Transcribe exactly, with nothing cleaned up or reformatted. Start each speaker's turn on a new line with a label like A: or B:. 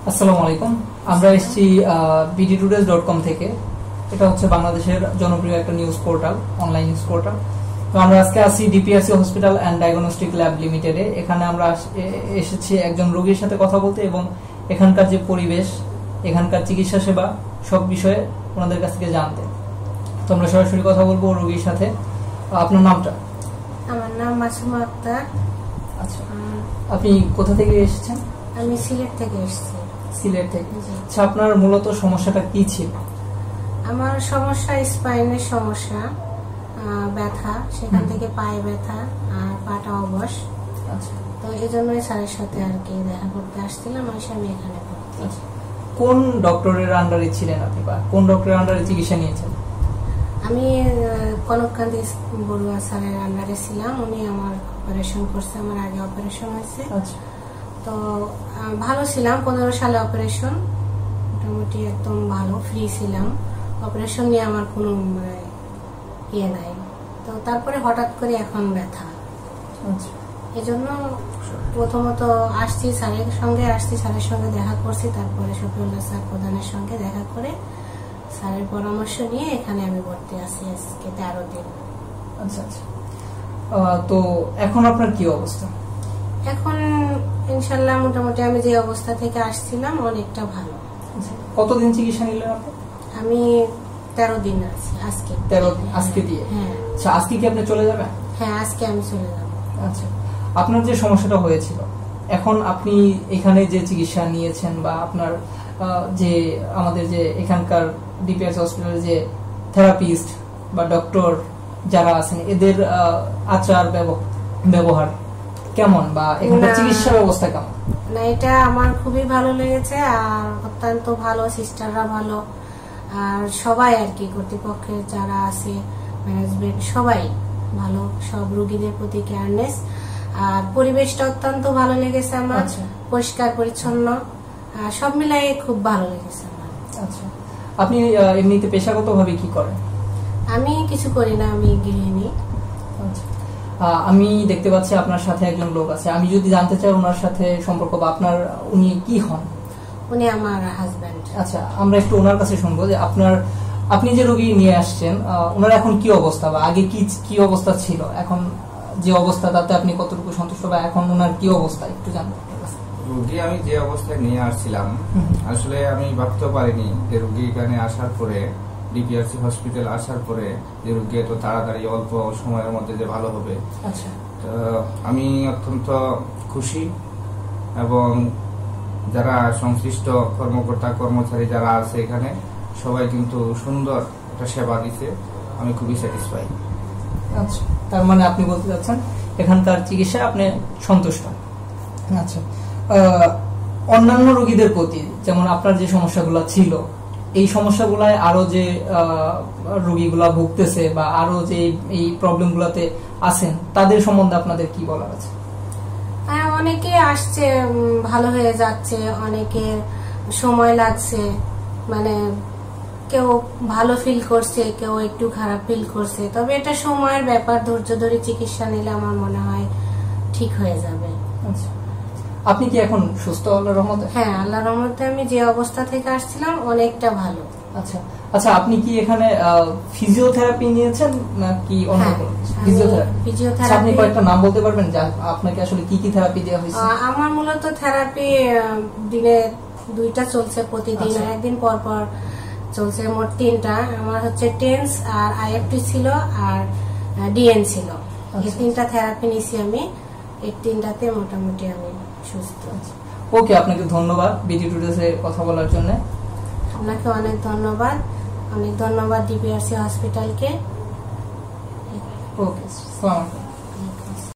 A: আসসালামু আলাইকুম। আমরা এসেছি বিডি টুডেজ ডট কম থেকে। এটা হচ্ছে বাংলাদেশের জনপ্রিয় একটা news portal, online news portal. তো আমরা আজকে আছি DPRC hospital and diagnostic lab লিমিটেডে। এখানে আমরা এসেছি একজন রোগীর সাথে কথা বলতে এবং এখানকার যে পরিবেশ, এখানকার চিকিৎসা সেবা সব বিষয়ে ওনাদের কাছ থেকে জানতে। তো আমরা সরাসরি কথা বলবো রোগীর সাথে। আপনার নামটা?
B: আমার নাম মাসুমা আক্তার।
A: আচ্ছা, আপনি কোথা থেকে এসেছেন?
B: আমি সিলেট থেকে এসেছি।
A: সিলেট থেকে। আচ্ছা, আপনার মূলত সমস্যাটা কি ছিল?
B: আমার সমস্যা স্পাইনের সমস্যা, ব্যথা, সেখান থেকে পায়ে ব্যথা আর পাটা অবশ।
A: আচ্ছা,
B: তো এই জন্যই স্যারের সাথে আর কি দেখা করতে আসছিলাম। আমি এখানে ভর্তি।
A: কোন ডক্টরের আন্ডারে ছিলেন আপনি, বা কোন ডক্টরের আন্ডারে চিকিৎসা নিয়েছেন?
B: আমি কনককান্তি বড়ুয়া স্যারের আন্ডারে ছিলাম। উনি আমার অপারেশন করছে, আমার আগে অপারেশন হয়েছে।
A: আচ্ছা,
B: তো ভালো ছিলাম। পনেরো সালে অপারেশন, মোটামুটি একদম ভালো, ফ্রি ছিলাম। অপারেশন নিয়ে আমার কোনো ইয়ে নাই। তো তারপরে হঠাৎ করে এখন ব্যথা।
A: আচ্ছা,
B: এই জন্য প্রথমত আসছি স্যারের সঙ্গে, আসছি স্যারের সঙ্গে দেখা করছি। তারপরে শফিউল্লাহ স্যার প্রধানের সঙ্গে দেখা করে স্যারের পরামর্শ নিয়ে এখানে আমি ভর্তি আছি আজকে তেরো দিন।
A: আচ্ছা আচ্ছা। তো এখন আপনার কি অবস্থা?
B: এখন ইনশাল্লাহ মোটামুটি আমি যে অবস্থা থেকে আসছিলাম অনেকটা ভালো।
A: কতদিন চিকিৎসা নিলেন আপনি?
B: আমি তেরো দিন আছি আজকে।
A: তেরো দিন আজকে দিয়ে?
B: হ্যাঁ।
A: আচ্ছা, আজকে কি আপনি চলে যাবেন?
B: হ্যাঁ, আজকে আমি চলে যাব।
A: আচ্ছা, আপনার যে সমস্যাটা হয়েছিল, এখন আপনি এখানে যে চিকিৎসা নিয়েছেন বা আপনার যে আমাদের যে এখানকার ডিপিআরসি হসপিটালে যে থেরাপিস্ট বা ডক্টর যারা আছেন, এদের আচার ব্যবহার কেমন বা এখানকার চিকিৎসা ব্যবস্থা কেমন?
B: না, এটা আমার খুবই ভালো লেগেছে। আর অত্যন্ত ভালো, সিস্টাররা ভালো, আর সবাই আর কি কর্তৃপক্ষের যারা আছে, ম্যানেজমেন্ট সবাই ভালো, সব রোগীদের প্রতি কেয়ারনেস। আর পরিবেশটা অত্যন্ত ভালো লেগেছে আমার, পরিষ্কার পরিচ্ছন্ন, সব মিলাই খুব ভালো লেগেছে আমার।
A: আচ্ছা, আপনি এমনিতে পেশাগত ভাবে কি করেন?
B: আমি কিছু করি না, আমি গৃহিণী।
A: আচ্ছা, আমি দেখতে পাচ্ছি আপনার সাথে একজন লোক আছে। আমি যদি জানতে চাই ওনার সাথে সম্পর্ক বা আপনার, উনি কি হন?
B: উনি আমার হাজবেন্ড।
A: আচ্ছা, আমরা একটু ওনার কাছে শুনবো যে আপনার, আপনি যে রোগী নিয়ে আসছেন ওনার এখন কি অবস্থা বা আগে কি কি অবস্থা ছিল, এখন যে অবস্থা তাতে আপনি কতটুকু সন্তুষ্ট বা এখন ওনার কি অবস্থা একটু জানবো।
C: রোগী আমি যে অবস্থায় নিয়ে আসছিলাম, আসলে আমি ভাবতে পারিনি যে রোগী এখানে আসার পরে, ডিপিআরসি হসপিটাল আসার পরে যে রোগী এত তাড়াতাড়ি অল্প সময়ের মধ্যে যে ভালো হবে।
A: আচ্ছা,
C: তো আমি অত্যন্ত খুশি এবং যারা সংশ্লিষ্ট কর্মকর্তা কর্মচারী যারা আছে এখানে সবাই কিন্তু সুন্দর একটা সেবা দিচ্ছে। আমি খুবই স্যাটিসফাই।
A: আচ্ছা, তার মানে আপনি বলতে চাচ্ছেন এখানকার চিকিৎসা আপনি সন্তুষ্ট। আচ্ছা, অন্যান্য রোগীদের প্রতি, যেমন আপনার যে সমস্যাগুলো ছিল, এই সমস্যাগুলায় আরো যে রোগীগুলা ভুগতেছে বা আরো যে এই প্রবলেমগুলোতে আছেন, তাদের সম্বন্ধে আপনাদের কি বলার আছে?
B: হ্যাঁ, অনেকে আসছে, ভালো হয়ে যাচ্ছে, অনেকের সময় লাগছে, মানে কেউ ভালো ফিল করছে, কেউ একটু খারাপ ফিল করছে। তবে এটা সময়ের ব্যাপার, ধৈর্য ধরে চিকিৎসা নিলে আমার মনে হয় ঠিক হয়ে যাবে।
A: আচ্ছা, আপনি কি এখন সুস্থ আল্লাহর রহমতে?
B: হ্যাঁ, আল্লাহর রহমতে আমি যে অবস্থা থেকে আসছিলাম অনেকটা ভালো।
A: আচ্ছা আচ্ছা, আপনি কি এখানে ফিজিওথেরাপি নিয়েছেন নাকি অন্য কোনো? ফিজিওথেরাপি।
B: ফিজিওথেরাপি।
A: আপনি কয়েকটা নাম বলতে পারবেন যে আপনাকে আসলে কি কি থেরাপি দেওয়া হয়েছে?
B: আমার মূলত থেরাপি দিনে দুইটা চলছে প্রতিদিন, একদিন পর পর চলছে, মোট তিনটা। আমার হচ্ছে টেন্স আর আইএফটি ছিল আর ডিএন ছিল। এই তিনটা থেরাপি নিছি আমি। এই তিনটাতে মোটামুটি আমি সুস্থ।
A: ওকে, আপনাকে ধন্যবাদ বিডি টুডেজে কথা বলার জন্য।
B: আপনাকে অনেক ধন্যবাদ, অনেক ধন্যবাদ ডিপিআরসি হসপিটালকে।
A: ওকে, আসসালামু আলাইকুম।